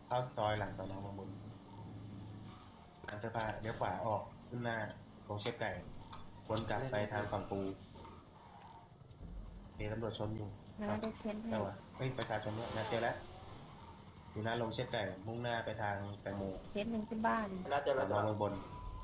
เข้าซอยหลังสอนอบางบนหลังเสื้อผ้าเลี้ยวขวาออกขึ้นหน้าโรงเชฟไก่วนกลับไปทางฝั่งปูมีตำรวจชนอยู่งั้นเราจะเค้นให้แต่ว่าเฮ้ยประชาชนเนี่ยนะเจอแล้วอยู่หน้าโรงเชฟไก่มุ่งหน้าไปทางแตงโมเคสหนึ่งที่บ้านแล้วเจอสแล้อวนอเมืองบน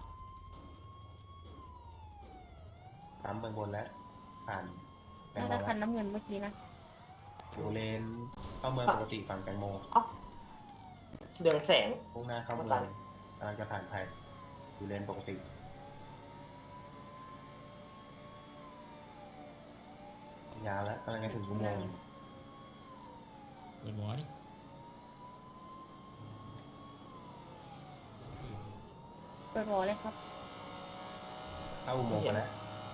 ปั๊มเมืองบนแล้วผ่านแตงน่าโมจะคัแล้วนน้ำเงินเมื่อกี้นะอยู่เลนเข้าเมืองปกติฝั่งแตงโมเดืองแสงมุ่งหน้าเข้าเมืองกำลังจะผ่านไทยอยู่เลนปกติยาวแล้วกำลังจะถึงอุโมงค์ Good morning เปิดวอลเลยครับเข้าอุโมงค์ไปแล้ว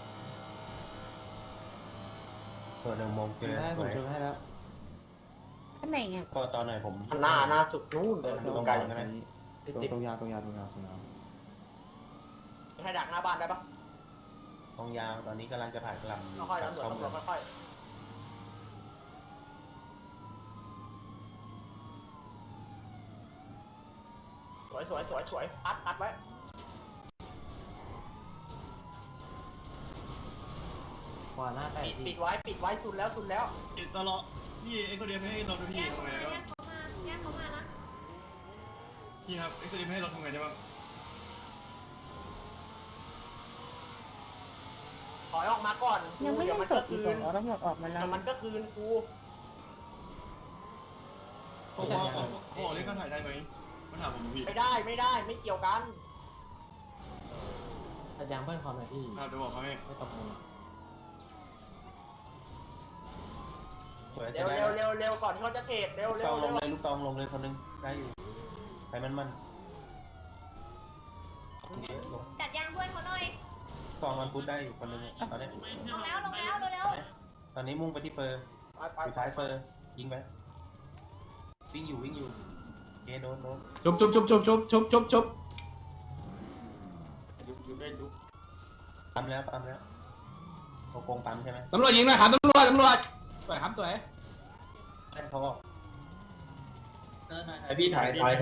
เปิดอุโมงค์เจอผมช่วยให้แล้วข้างในอ่ะก็ตอนหน่อยผมหน้าสุดนู่นเลยตรงไกลใช่ไหมตรงยาวตรงยาวตรงยาวตรงยาวให้ดักหน้าบ้านได้ปะตรงยาวตอนนี้กำลังจะผ่านกลำอยู่ค่อยๆกับตำรวจเข้าเมืองค่อยๆสวยพัดไว้ขวาหน้าแตกปิดไว้สุดแล้วตลอดพี่เอ็กซ์โคเดียไม่ให้เราดูพี่ทำไงได้บ้างแยกเขามานะพี่ครับเอ็กซ์โคเดียไม่ให้เราทำไงได้บ้างถอยออกมาก่อนยังไม่เดี๋ยัวงมันสก็ดอีคืกเหรนอตำรวจออกมาแล้วแต่มันก็คืนกูเขาบอกเรียกค่าถ่ายได้ไหมมาถามผมพี่ไม่ได้ไม่เกี่ยวกันอาจารย์เพิ่มความหน่อยพี่ครับเดี๋ยวบอกเขาให้ไม่ตกมือสวยเร็วก่อนที่เขาจะเทรดเร็วลูกซองลงเลยลูกซองลงเลยคนนึงได้อยู่ไปมันเยอะลงจัดยางเพื่อนเขาหน่อยซองมันฟุตได้อยู่คนนึงตอนนี้ลงแล้วเร็วตอนนี้มุ่งไปที่เฟอร์ไปสุดท้ายเฟอร์ยิงไปวิ่งอยู่เโดนชุบปั๊มแล้วโกงปั๊มใช่ไหมตำรวจยิงนะครับตำรวจสวยครับสวยแม่นเขาบอกไอพี่ถอยโอ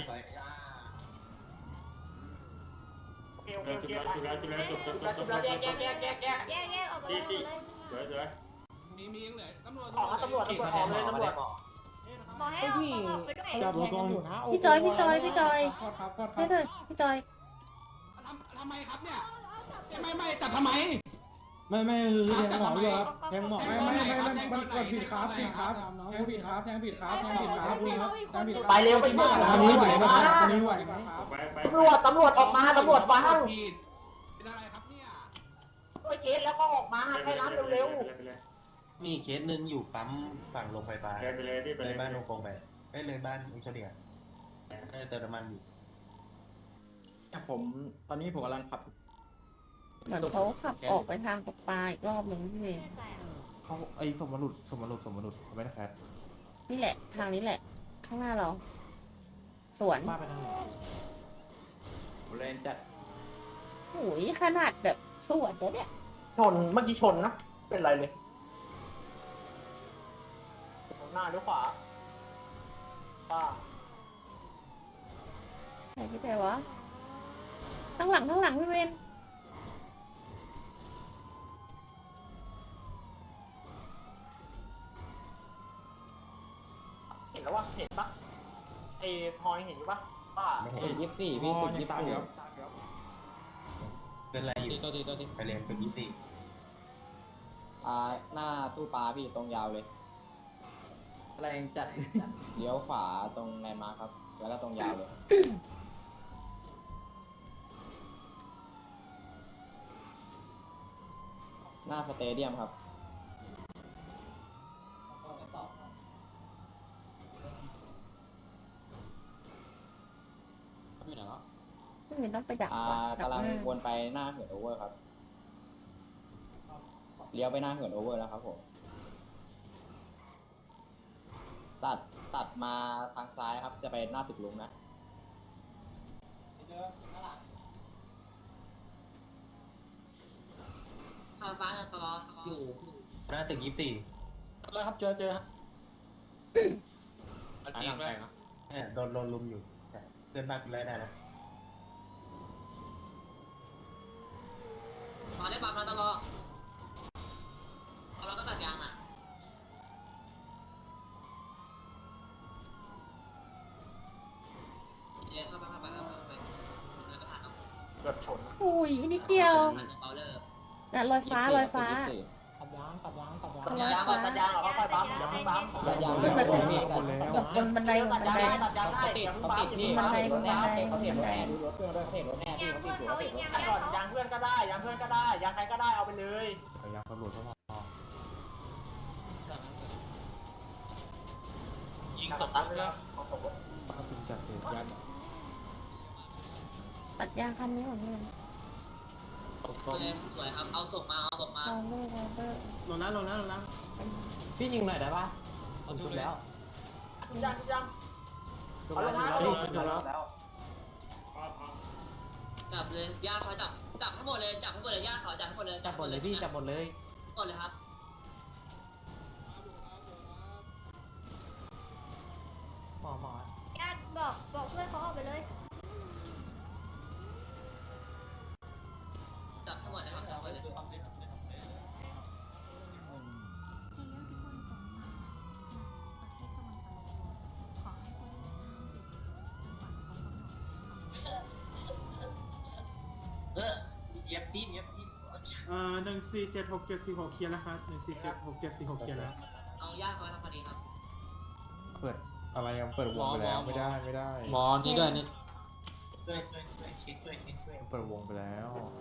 เคจุดแล้วแยกๆแยกออกไปเลยมียังเหลือตำรวจออกมาตำรวจออกเลยตำรวจบอกให้เอาออกไปด้วยจับรถลงอยู่นะพี่จอยครับให้เลยพี่จอยทำไมครับเนี่ยไม่จับทำไมไม่แทงหมอด้วยครับแทงหมอมันกดผิดครับแทงผิดครับไปเร็วไปช่วยอันนี้ไหวไหมครับอันนี้ไหวไหมตำรวจออกมาตำรวจฟังเป็นอะไรครับเนี่ยช่วยเคสแล้วก็ออกมาให้ร้านเร็วมีเคสหนึ่งอยู่ปั๊มฝั่งโรงไฟฟ้าเลยบ้านโรงโกงไปเลยบ้านอิชเดียน่าจะเติมน้ำมันอยู่ผมตอนนี้ผมกำลังขับเหมือนเขาขับออกไปทางตกปลาอีกรอบหนึ่งพี่เมย์เขาไอ้สมมรุษเขาไม่ได้แคสนี่แหละ ทางนี้แหละ ข้างหน้าเรา สวนบ้าไปทางไหนเลนจัดโอ้ยขนาดแบบสวนแล้วเนี่ยชนเมื่อกี้ชนนะเป็นไรเลยหน้าหรือขวาป้าไหนพี่แต่วะข้างหลังพี่เวนเห็นแล้ววะเห็นปะไอ้พลอยเห็นอยู่ปะป้าไม่เห็น 24พี่24ครับเป็นไรอยู่ไปเรียนตึกยิติหน้าตู้ปลาพี่ตรงยาวเลยแรงจัดเลี้ยวขวาตรงแลนด์มาร์คครับ แล้วก็ตรงยาวเลย หน้าสเตเดียมครับพี่เวนต้องไปดักก่อนกำลังดักหน้าวนไปหน้าเหินโอเวอร์ครับ เลี้ยวไปหน้าเหินโอเวอร์แล้วครับผม ตัดมาทางซ้ายครับ จะไปหน้าตึกลุงนะหน้าตึกยิติแล้วครับเจอฮะจริงไหมเนี่ยโดนลุมอยู่เดินมากูไล่ได้นะมาได้ปั๊มมาตลอดเราก็ตัดยางอ่ะเดี๋ยวเข้าไปแล้วก็ผ่านเอาเกือบชนอุ้ยนิดเดียวผ่านเบาเลอร์น่ะลอยฟ้าลอยฟ้าตัดยางตัดยางเหรอค่อยปั๊มอย่าเพิ่งปั๊มตัดยางขึ้นมาถึงพี่ตัดกับบนบันไดบนบันไดตัดยางได้เดี๋ยวเขาติดพี่บันไดบันไดเขาติดรถแน่ดูรถเพื่อนด้วยเขาติดรถแน่พี่เขาติดอยู่เขาติดรถก่อนยางเพื่อนก็ได้ยางเพื่อนก็ได้ยางใครก็ได้เอาไปเลยยางตำรวจก็พอยิงตกรถแล้วตัดยางคันนี้ของเพื่อนสวยครับเอาส่งมาลองเบอร์ลองเบอร์ลงแล้วพี่ยิงหน่อยได้ปะเอาชุดแล้วยังเอาลงมาจับเลยย่าเขาจับให้หมดเลยจับให้หมดเลยย่าเขาจับให้หมดเลยจับหมดเลยพี่จับหมดเลยหมดเลยครับหมอญาติบอกเพื่อนเขาออกไปเลยจับให้หมดเลยครับจับหมดเลยเย็บตีน 147674 เคลียร์แล้วครับ147674 เคลียร์แล้วเอาย่าเขาไปทำคดีครับเปิดอะไรยังเปิดวงไปแล้วไม่ได้หมอนี่ด้วยนี่ช่วยเปิดวงไปแล้ว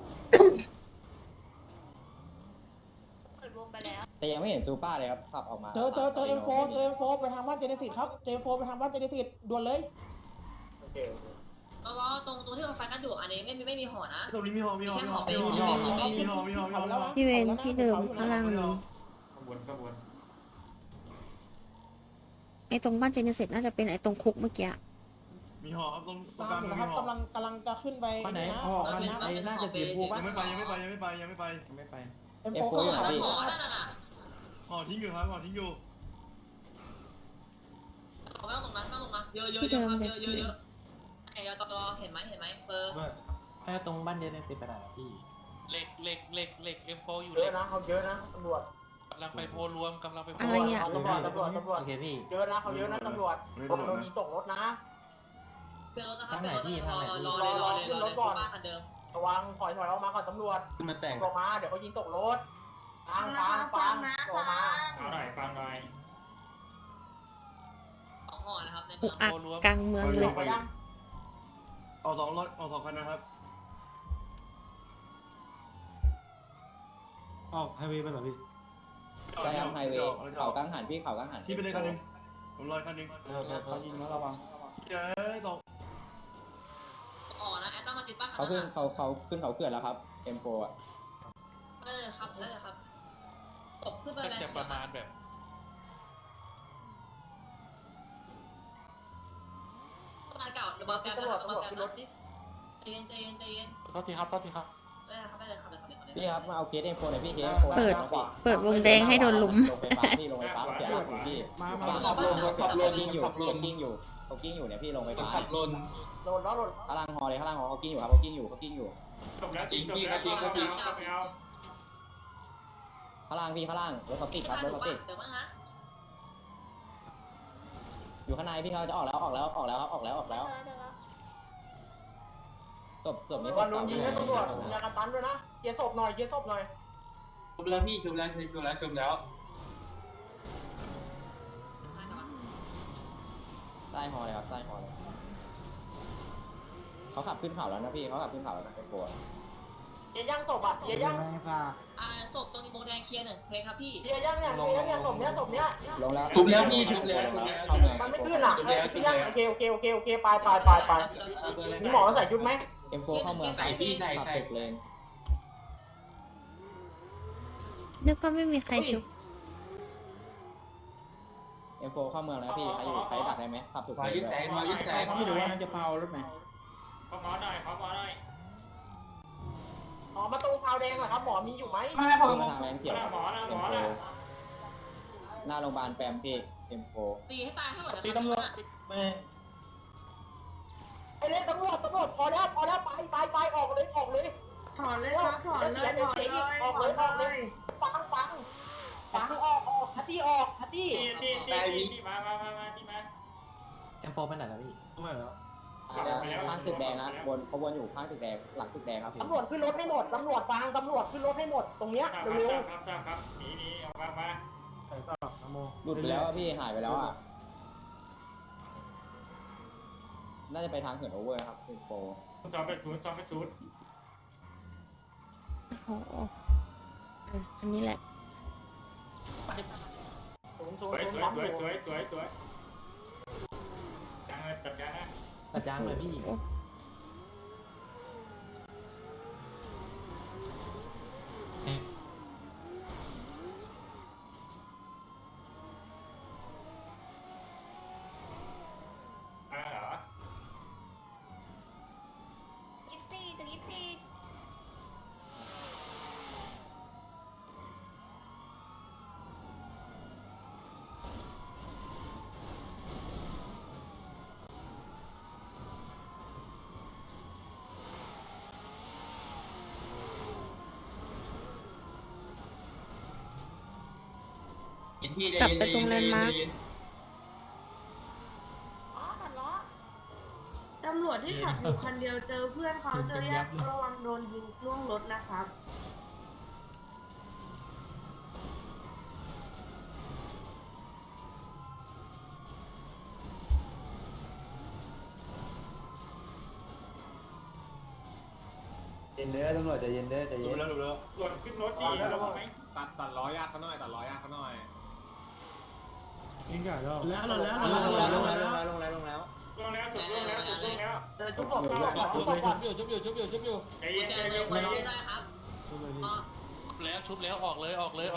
เปิดวงไปแล้วแต่ยังไม่เห็นซูป้าเลยครับขับออกมาเจอเอ็มโฟไปทางบ้านเจเนซิสครับเจมโฟไปทางบ้านเจเนซิสด่วนเลยแล้วก็ตรงที่มันไฟกันอยู่อันนี้ไม่มีห่อนะตรงนี้มีหอที่เวนที่เดิมข้างล่างเลยขบวนไอ้ตรงบ้านเจเนเซ็ตน่าจะเป็นไอ้ตรงคุกเมื่อกี้มีหอครับตรงตามอยู่นะครับกำลังจะขึ้นไปไปไหนห่อกันนะน่าจะเสียภูป่ะยังไม่ไปเอ็มเอโฟฟโฟอยู่ห่ครับพี่อนั่นน่ะหอทิ้งอยู่ครับหอทิ้งอยู่เขาไม่ต้องตรงนั้นเยอะไอ้ตอเห็นไหมเบอร์ให้ตรงบ้านเจเนซิสไปไหนพี่เหล็กเอ็มโฟอยู่เยอะนะเขาเยอะนะตำรวจกำลังไปโพรวมอะไรอ่ะตำรวจโอเคพี่เยอะนะเขาเยอะนะตำรวจโดนยิงตกรถนะเบลนะครับรอเลยบ้านคันเดิมระวังถอยออกมาก่อนตำรวจมาแต่งออกมาเดี๋ยวเขายิงตกรถฟังออกมาเอาหน่อยฟังหน่อยของห่อนะครับในอุเมืองกอักกลางเมืองเลยไปยังเอาสองรถเอา2 คันนะครับออกไฮเวย์ไปเหรอพี่ใช่ครับไฮเวย์เขากังหันพี่เขากังหันพี่ไปเลยคันนึงผมรอคันนึงเขายิงแล้วระวังเจ๊ตกอ๋อนะแอตต้องมาติดป้าเขาขึ้นเขาเขื่อนแล้วครับ M4 อ่ะได้เลยครับตบขึ้นไปก็เลยจะประมาณแบบบ้านเก่าเดี๋ยวบอกแกตำรวจขึ้นรถดิใจเย็นโทษทีครับได้เลยครับพี่ครับมาเอาเคส M4 หน่อยพี่เคสเปิดวงแดงให้โดนลุมลงไฟฟ้าพี่ลงไฟฟ้าเสียหลักอยู่พี่ขับรถกิ้งอยู่เขากิ้งอยู่เนี่ยพี่ลงไฟฟ้าโดนข้างล่างฮอเลยข้างล่างฮอเขากิ้งอยู่ครับเขากิ้งอยู่จบแล้วจริงครับไปเอาข้างล่างพี่ข้างล่างรถเขาติดครับรถเขาติดเดี๋ยวมาฮะอยู่ข้างในพี่เขาจะออกแล้วศพนี้วันลุงยิงให้ตำรวจยากระตันด้วยนะเคลียร์ศพหน่อยชุบแล้วพี่ชุบแล้วใต้ฮอเลยครับใต้ฮอเลยเขาขับขึ้นเขาแล้วนะพี่เขาขับขึ้นเขาแล้วนะเป็นโฟร์เย่างศพอ่ะเย่างศพตรงโบแดงเคลียร์1เพลงครับพี่เย่างเนี่ยศพเนี้ยลงแล้วชุบแล้วพี่ชุบแล้วมันไม่ขึ้นอ่ะย่างโอเคไปมีหมอใส่ชุดไหมเอ็มโฟเข้าเมืองขับตึกเลยนึกว่าไม่มีใครชุบเอ็มโฟเข้าเมืองแล้วพี่ใครดักได้ไหมขับตึกเลยพี่ดูว่าน่าจะเผารถไหมขอหมอหน่อยอ๋อมาตรงพาวแดงเหรอครับหมอมีอยู่ไหมมาทางแรงเขียวหมอนะหน้าโรงพยาบาลแปมพี่เอ็มโฟตีให้ตายให้หมดตีตำรวจไม่ำรวจพอแล้วไปออกเลยถอนเลยครับถอนเลยออกเลยฟังออกฮัตตี้ที่มาที่มาแอมโฟไปไหนแล้วพี่ไม่แล้วข้างตึกแดงนะเขาวนอยู่ข้างตึกแดงหลังตึกแดงครับตำรวจขึ้นรถให้หมดตำรวจขึ้นรถให้หมดตรงเนี้ยเร็วครับหนีออกมาใส่ต่อนะโมหลุดไปแล้วพี่หายไปแล้วอ่ะน่าจะไปทางเหินโอเวอร์ครับเป็นโปรซ้อมไปศูนย์โอ้โหอันนี้แหละๆสวยจังเลยจัดการนะตัดยางเลยพี่เหรอ 24 กลับไปตรงแลนด์มาร์คอ๋อตัดล้อตำรวจที่ขับอยู่คันเดียวเจอเพื่อนเขาเจอญาติระวังโดนยิงล่วงรถนะครับเย็นเด้อตำรวจใจเย็นเด้อใจดูเย็นแล้วหล่นขึ้นรถดีแล้วไหมตัดล้อยากเขาหน่อยตัดล้อยากเขาหน่อยยิงไก่แล้วลงแล้วสุดทุกคนชุบอยู่ใจเย็นได้ครับชุบแล้วออกเลยตำรวจพอ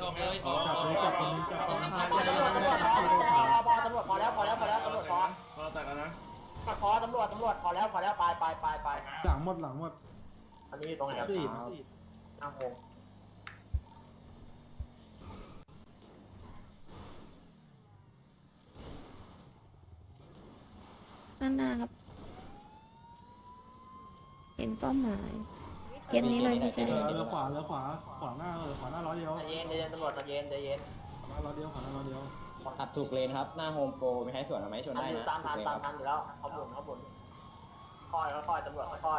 แล้วตำรวจพอเราตัดกันนะพอตำรวจพอแล้วไปหลังหมดอันนี้ตรงไหนครับตีนั่งงงด้านหน้าครับ เห็นเป้าหมายเย็นนี้เลยพี่เจเรือขวาหน้าร้อยเดียวใจเย็นตำรวจใจเย็นขวาหน้าร้อยเดียวตัดถูกเลนครับหน้าโฮมโปรไม่ให้สวนไหมชนได้นะตามทันอยู่แล้วเขาหมุนค่อยตำรวจค่อย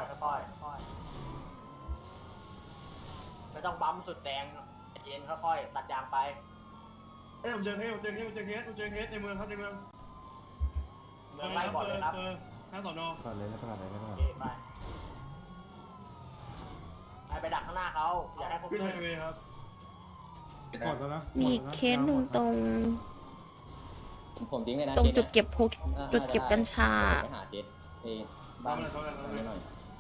ไม่ต้องปั๊มสุดแดงใจเย็นค่อยตัดยางไปผมเจอเคสในเมืองครับในเมืองเมืองไล่ก่อนเลยครับข้างสอนอก่อนเลยนะก่อนเลยนะก่อนไปดักข้างหน้าเขาอย่าให้พวกขึ้นไฮเวย์ครับหมดแล้วนะมีเคสหนึ่งตรงผมทิ้งเลยนะตรงจุดเก็บกัญชาไปหาเจ็ดบ้านนิดหน่อย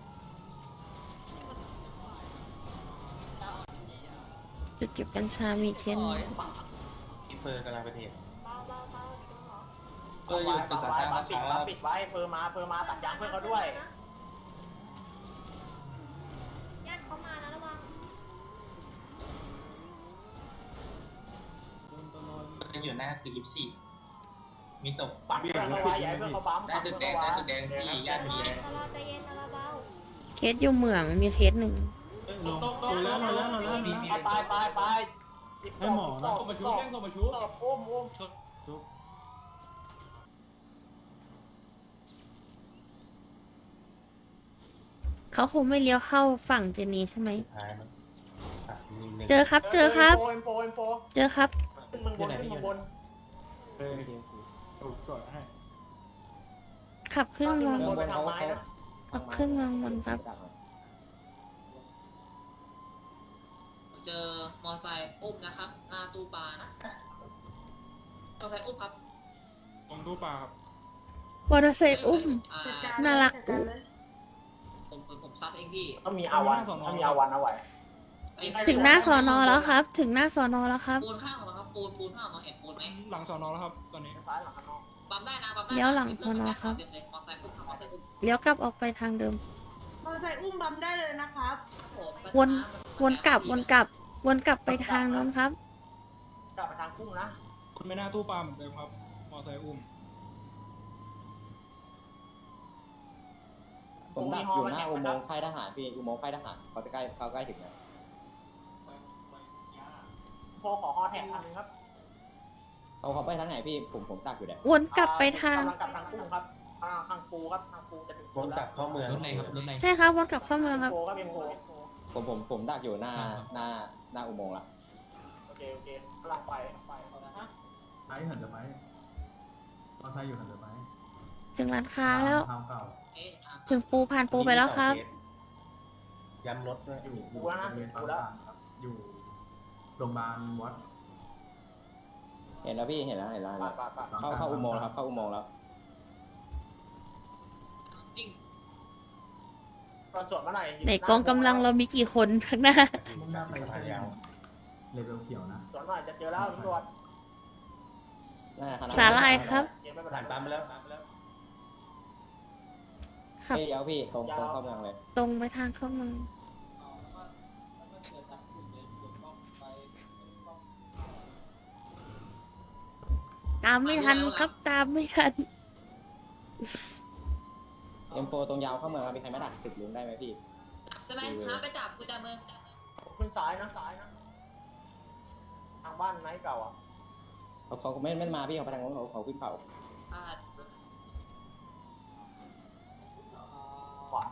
จุดเก็บกัญชามีเคสหนึ่งพี่เฟอร์กำลังไปเทรดเบาเฟอร์อยู่ตึกต่างๆนะครับปิดไว้เพิ่มมาตัดยางเพื่อนเขาด้วยญาติเขามานะระวังอยู่หน้าตึก24มีศพปัดเพื่อนเขาไว้อย่าให้เพื่อนเขาปั๊มได้ตึกแดงพี่ญาติมีตลอดใจเย็นตลอดเบาเคสอยู่เหมืองมีเคสหนึ่งลงแล้วไปให้หมอนะตบอุ้มเขาคงไม่เลี้ยวเข้าฝั่งเจนีใช่ไหมท้ายมั้งมีหนึ่งเจอครับ เจอครับโฟเจอครับขึ้นเมืองบนก่อนให้ขับขึ้นเมืองบนไปทางไม้นะขับขึ้นเมืองบนครับเจอมอไซค์อุ้มนะครับหน้าตู้ปลานะมอไซค์อุ้มครับตรงตู้ปลาครับมอเตอร์ไซค์อุ้ม น่ารักผมซัดเองพี่ต้องมีอาวันเอาไว้ถึงหน้าสอนอแล้วครับ ถึงหน้าสอนอแล้วครับปูนข้างของเราครับปูนข้างของเราเห็นปูนไหมหลังสอนอแล้วครับตอนนี้ซ้ายหลังข้างนอกปั๊มได้นะปั๊มได้เลี้ยวหลังพนครับเต็มเลยมอไซค์อุ้มครับมอไซค์อุ้มเลี้ยวกลับออกไปทางเดิมมอไซค์อุ้มบัมได้เลยนะครับวนกลับไปทางนั้นครับกลับไปทางกุ้งนะคุณไม่น่าตู้ปลาเหมือนเดิมครับมอไซค์อุ้มผมดักอยู่หน้าอุโมงค์ค่ายทหารพี่อุโมงค์ค่ายทหารเขาจะใกล้ถึงนะโทรขอฮอแท็กอันนึงครับเขาไปทางไหนพี่ผมดักอยู่เนี่ยวนกลับไปทางกำลังกลับทางกุ้งครับทางปูครับทางปูจะถึงวนกลับเข้าเมืองรถไหนครับรถไหนใช่ครับวนกลับเข้าเมืองครับโฟครับเอ็มโฟผมดักอยู่หน้าอุโมงค์ละโอเคกำลังไปฮะไอ้หันจะไหมมอไซค์อยู่หันจะไหมถึงร้านค้าแล้วทางเก่าเอ๊ะถึงปูผ่านปูไปแล้วครับย้ำรถด้วยอยู่โรงเรียนปั๊มต่างครับอยู่โรงพยาบาลวัดเห็นแล้วพี่เห็นแล้วไปเข้าอุโมงค์แล้วครับเข้าอุโมงค์แล้วจริงตอนจดเมื่อไหร่ในกองกำลังเรามีกี่คนข้างหน้ามุ่งหน้าไปสะพานยาวเลเวลเขียวนะจดหน่อยจะเจอแล้วตำรวจสาลายครับผ่านปั๊มไปแล้วขับเดี๋ยวพี่ตรงเข้าเมืองเลยตรงไปทางเข้าเมืองตามไม่ทันครับตามไม่ทัน M4 ตรงยาวเข้าเมืองมีใครไม่ดักติดลุงได้ไหมพี่ใช่ไหมหาไปจับกูจะเมืองขึ้นซ้ายนะทางบ้านไนท์เก่าอ่ะเขาไม่มาพี่เขาไปทางโน้นเขาขึ้นเขาอ่าขวา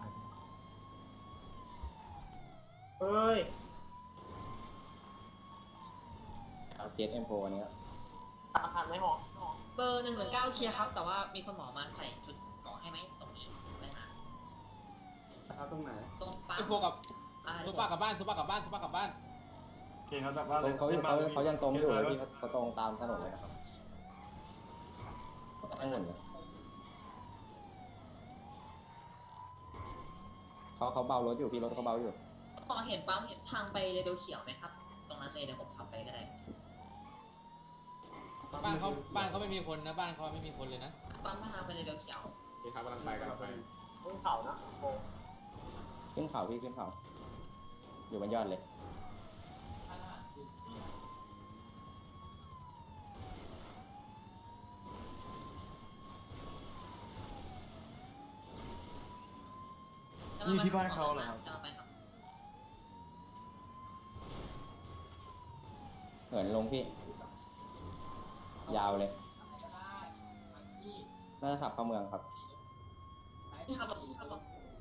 เฮ้ยเอาเคส M4 อันนี้ผ่านไหมหอเบอร์119เคลียร์ครับ แต่ว่ามีคนหมอมาใส่ชุดเกราะให้ไหมตรงนี้ไปหาครับตรงไหนตรงปั๊มไอ้พวกกับอ่าซุปเปอร์กลับบ้านซุปเปอร์กลับบ้านโอเคครับแบบว่าเขายังตรงอยู่เลยพี่เขาตรงตามถนนเลยนะครับทั้งหมดเลยเขาเบารถอยู่พี่รถเขาเบาอยู่พอเห็นปั๊มเห็นทางไปเรเบลเขียวไหมครับ ตรงนั้นเลยเดี๋ยวผมขับไปก็ได้บ้านเขาไม่มีคนนะบ้านเขาไม่มีคนเลยนะปั๊มมาทางไปเรเบลเขียวโอเคครับกำลังไปขึ้นเขานะโอ้ขึ้นเขาพี่ขึ้นเขาอยู่บนยอดเลยนี่ที่บ้านเขาเหรอครับกำลังไปครับเหินลงพี่ ยาวเลยน่าจะขับเข้าเมืองครับนี่ครับผมครับผม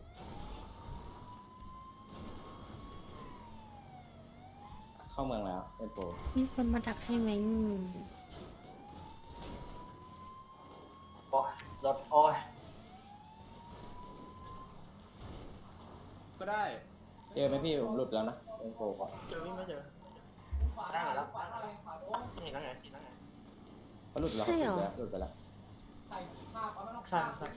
เข้าเมืองแล้วเป็นโปรมีคนมาดักให้ไหมโอ้ยรถโอ้ยก็ได้เจอไหมพี่ผมหลุดแล้วนะเป็นโปรก่อนเจอไม่เจอได้แล้วเห็นแล้วไงเขาหลุดแล้วหลุดไปแล้วใช่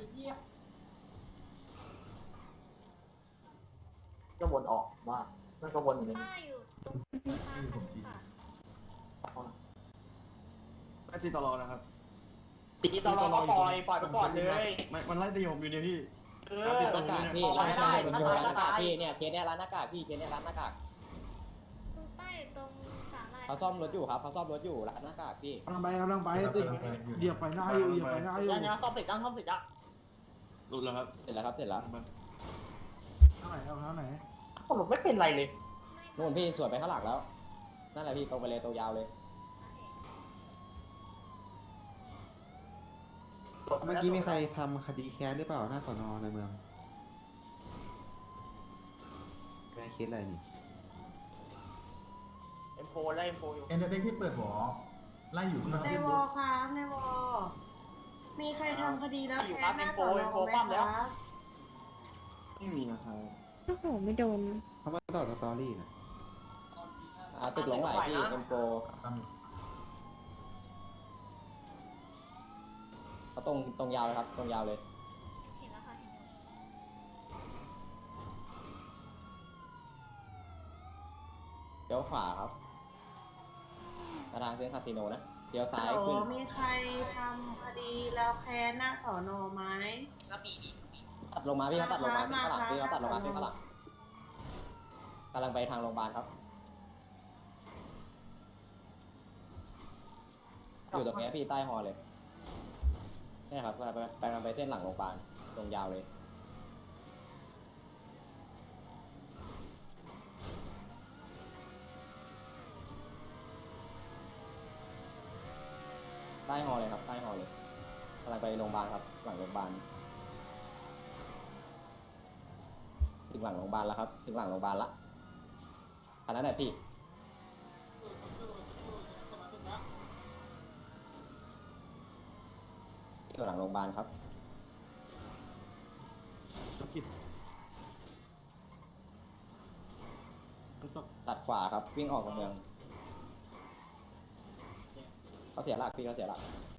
ก็วนออกว่ามันก็วนอยู่ในนี้ป้าอยู่ตรงทางค่ะไม่ตีตลอดนะครับตีตลอดก็ปล่อยไปก่อนเลยมันไล่ตีผมอยู่เนี่ยพี่ร้านหน้ากากพี่ร้านหน้ากากร้านหน้ากากพี่เนี่ยเคสเนี่ยร้านหน้ากากพี่เคสเนี่ยร้านหน้ากากตรงใต้ตรงสาลายเขาซ่อมรถอยู่ครับเขาซ่อมรถอยู่ร้านหน้ากากพี่กำลังไปติดเหยียบไฟหน้าอยู่เหยียบไฟหน้าอยู่ยังซ่อมติดอ่ะหลุดแล้วครับเสร็จแล้วครับเสร็จแล้วเท่าไหนผมไม่เป็นไรเลยนู่นพี่สวนไปข้างหลังแล้วนั่นแหละพี่ตรงไปเลยตัวยาวเลยเมื่อกี้มีใครทำคดีแค้นหรือเปล่าหน้าสนในเมืองแม่เคสอะไรนี่เอ็มโฟไล่เอ็มโฟอยู่เอ็นเตอร์เทนที่เปิดหัวไล่อยู่ใช่ไหมในวอครับในวอมีใครทำคดีแล้วแพ้หน้าสอนอไหมคะไม่มีนะครับโอ้โหไม่โดนเขามาต่อสตอรี่นะตึกหลงไหลพี่ M4 เขาตรงยาวเลยครับตรงยาวเลยเห็นแล้วค่ะเลี้ยวขวาครับมาทางเซ็นคาสิโนนะเลี้ยวซ้ายฮัลโหลขึ้นมีใครทำคดีแล้วแพ้หน้าสอนอไหมครับมีตัดลงมาพี่เขาตัดลงมาเส้นข้างหลังพี่เขาตัดลงมาเส้นข้างหลังกำลังไปทางโรงพยาบาลครับอยู่ตรงนี้พี่ใต้ฮอเลยนี่ครับกำลังไปเส้นหลังโรงพยาบาลตรงยาวเลยต้ฮอเลยครับใต้ฮอเลยกำลังไปโรงพยาบาลครับหลังโรงพยาบาลถึงหลังโรงพยาบาลแล้วครับถึงหลังโรงพยาบาลละอันนั้นแหละพี่อยู่หลังโรงพยาบาลครับตัดขวาครับวิ่งออกจากเมืองเขาเสียหลักพี่เขาเสียหลัก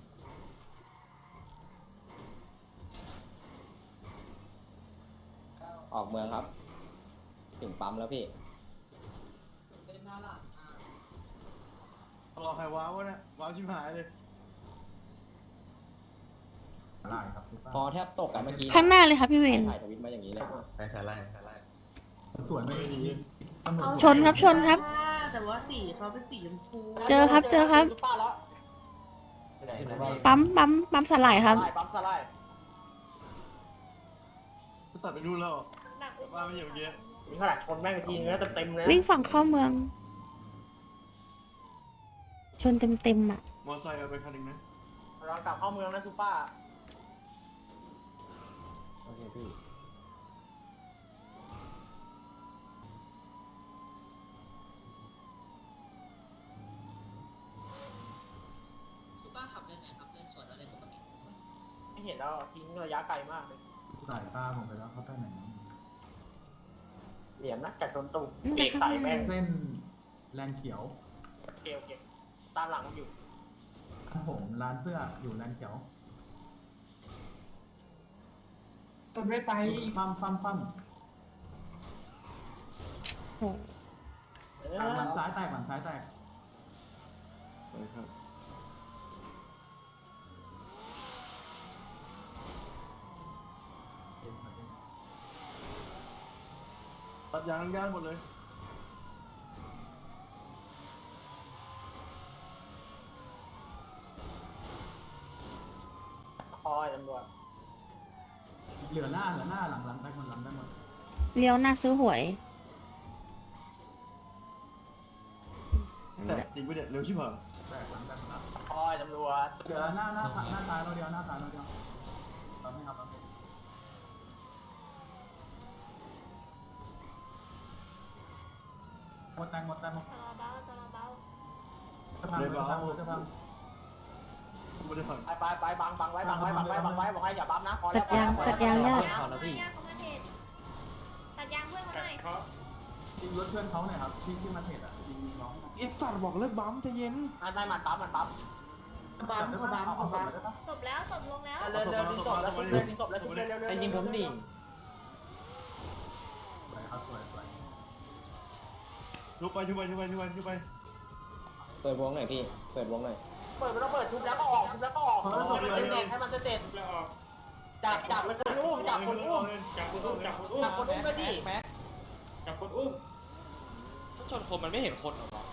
ออกเมืองครับถึงปั๊มแล้วพี่รอใครว้าวะเนี่ยว้าวชิบหายเลยพอแทบตกอะเมื่อกี้ข้างหน้าเลยครับพี่เวนถ่ายทวิตมาอย่างนี้เลยไปสาไล่สวนไม่ดีชนครับชนครับแต่ว่าสีเขาเป็นสีชมพูเจอครับเจอครับป้าแล้วปั๊มสลายครับปั๊มสไลด์ตัดไปดูแล้วว่าไม่อย่างเงี้ยมีขนาดชนแม่งทีนึงแล้วเต็มเลยวิ่งฝั่งเข้าเมือง ชนเต็มอ่ะมอไซค์เอาไปคันหนึ่งนะเรากลับเข้าเมืองนะซูป้าโอเคพี่ซูเปอร์ขับเล่นไงครับเล่นสวนแล้วเล่นปกติไม่เห็นแล้วทิ้งระยะไกลมากเลยสายตาผมไปแล้วเขาไปไหนเหลี่ยมนะกัดโดนตุ่มอืมเบรกใส่แม่งเส้นแลนเขียวโอเคตามหลังอยู่ครับผมร้านเสื้ออยู่แลนเขียวต้นไม่ไปฟั่มโอ้หลังซ้ายแตกหลังซ้ายแตกครับตัดยางย่างหมดเลยคอยตำรวจเหลือหน้าหลังแตกหมดหลังได้หมดเลี้ยวหน้าซื้อหวยแต่จริงไปเด็ดเร็วชิบหายแตกหลังแตกหมดแล้วคอยตำรวจเหลือหน้าซ้ายเราเดียวหน้าซ้ายเราเดียวเราไม่ครับหมดแตงจะพังจะพังไม่ได้ฝันไปบังไว้บอกให้อย่าบั๊มนะพอแล้วตัดยางญาติตัดยางเพื่อนเขาหน่อยยิงรถเพื่อนเขาหน่อยครับที่มาเทรดอ่ะยิงน้องไอ้สัตว์บอกเลิกบัมใจเย็นไม่มันปั๊มเอาศพเลยได้ปะจบแล้วจบลงแล้วเร็วดึงศพแล้วดึงศพแล้วเร็วไอ้ยิงผมดิสวยครับสวยชุบไปเปิดวงหน่อยพี่เปิดวงหน่อยเปิดไม่ต้องเปิดทุบแล้วก็ออกให้มันเสร็จจับมันคนอุ้มจับคนอุ้มไปดิชนคนมันไม่เห็นคนหรอวะ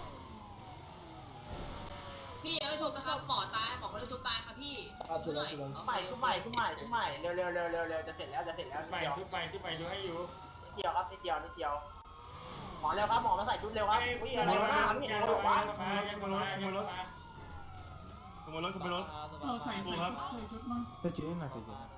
พี่ยังไม่ชมนะครับหมอตายหมอคนได้ชุบตายครับพี่ชุบใหม่ใหม่เร็วจะเสร็จแล้วชุบใหม่ดูให้อยู่นิดเดียวหมอเร็วครับหมอมาใส่ชุดเร็วครับอุ้ยอะไรวะไม่เห็นคนหรอวะขโมยรถเราใส่ชุดมาใส่ชุดมาใจเย็นหน่อยใจเย็น